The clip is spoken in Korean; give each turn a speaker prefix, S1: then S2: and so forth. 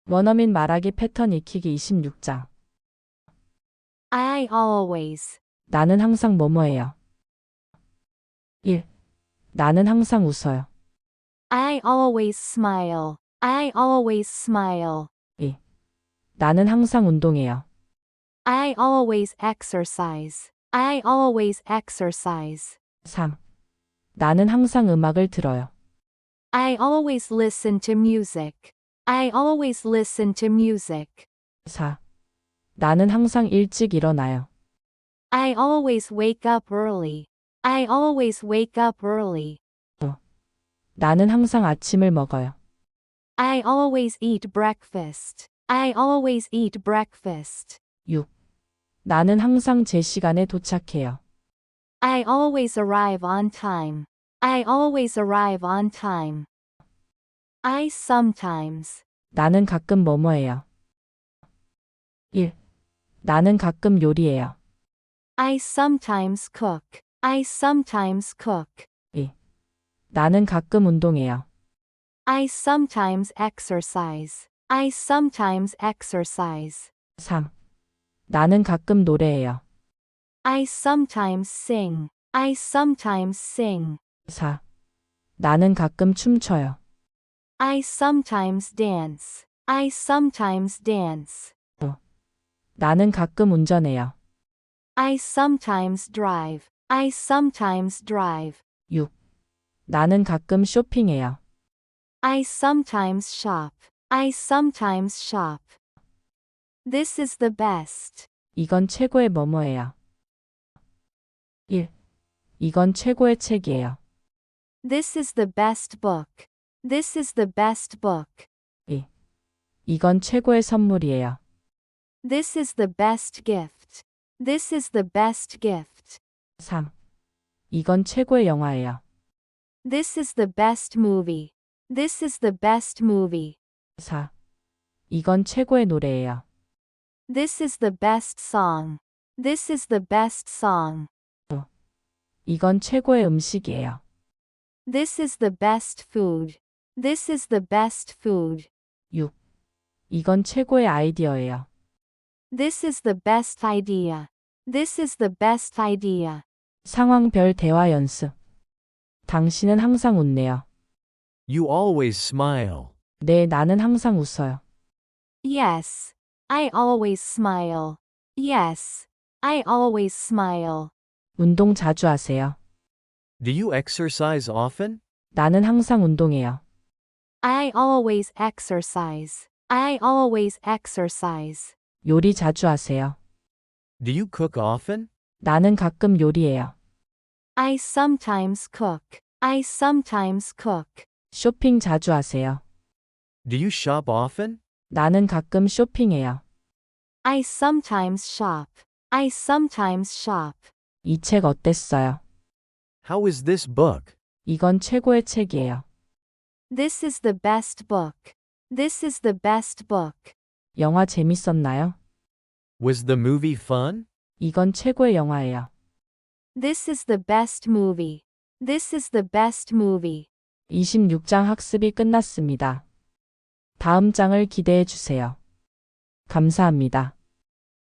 S1: 원어민 말하기 패턴 익히기 26장.
S2: I always.
S1: 나는 항상 뭐뭐해요. 1. 나는 항상 웃어요.
S2: I always smile. I always smile.
S1: 2. 나는 항상 운동해요.
S2: I always exercise. I always exercise.
S1: 3. 나는 항상 음악을 들어요.
S2: I always listen to music. I always listen to music.
S1: 4. 나는 항상 일찍 일어나요.
S2: I always wake up early. I always wake up early.
S1: 5. 나는 항상 아침을 먹어요.
S2: I always eat breakfast. I always eat breakfast.
S1: 6. 나는 항상 제 시간에 도착해요.
S2: I always arrive on time. I always arrive on time. I sometimes.
S1: 나는 가끔 뭐뭐해요. 1. 나는 가끔 요리해요.
S2: I sometimes cook. I sometimes cook.
S1: 2. 나는 가끔 운동해요.
S2: I sometimes exercise. I sometimes exercise.
S1: 3. 나는 가끔 노래해요.
S2: I sometimes sing. I sometimes sing.
S1: 4. 나는 가끔 춤춰요.
S2: I sometimes dance. I sometimes dance.
S1: 5. 나는 가끔 운전해요.
S2: I sometimes drive. I sometimes drive.
S1: 6. 나는 가끔 쇼핑해요.
S2: I sometimes shop. I sometimes shop. This is the best.
S1: 이건 최고의 뭐뭐예요. 1. 이건 최고의 책이에요.
S2: This is the best book. This is the best book.
S1: 2. 이건 최고의 선물이에요.
S2: This is the best gift. This is the best gift.
S1: 3. 이건 최고의 영화예요.
S2: This is the best movie. This is the best movie.
S1: 4. 이건 최고의 노래예요.
S2: This is the best song. This is the best song.
S1: 5. 이건 최고의 음식이에요.
S2: This is the best food. This is the best food.
S1: 6. 이건 최고의 아이디어예요.
S2: This is the best idea. This is the best idea.
S1: 상황별 대화 연습. 당신은 항상 웃네요.
S3: You always smile.
S1: 네, 나는 항상 웃어요.
S2: Yes. I always smile. Yes. I always smile.
S1: 운동 자주 하세요.
S3: Do you exercise often?
S1: 나는 항상 운동해요.
S2: I always exercise. I always exercise.
S1: 요리 자주 하세요.
S3: Do you cook often?
S1: 나는 가끔 요리해요.
S2: I sometimes cook. I sometimes cook.
S1: 쇼핑 자주 하세요.
S3: Do you shop often?
S1: 나는 가끔 쇼핑해요.
S2: I sometimes shop. I sometimes shop.
S1: 이 책 어땠어요?
S3: How is this book?
S1: 이건 최고의 책이에요.
S2: This is the best book. This is the best book.
S1: 영화 재밌었나요?
S3: Was the movie fun?
S1: 이건 최고의 영화예요.
S2: This is the best movie. This is the best movie.
S1: 26장 학습이 끝났습니다. 다음 장을 기대해 주세요. 감사합니다.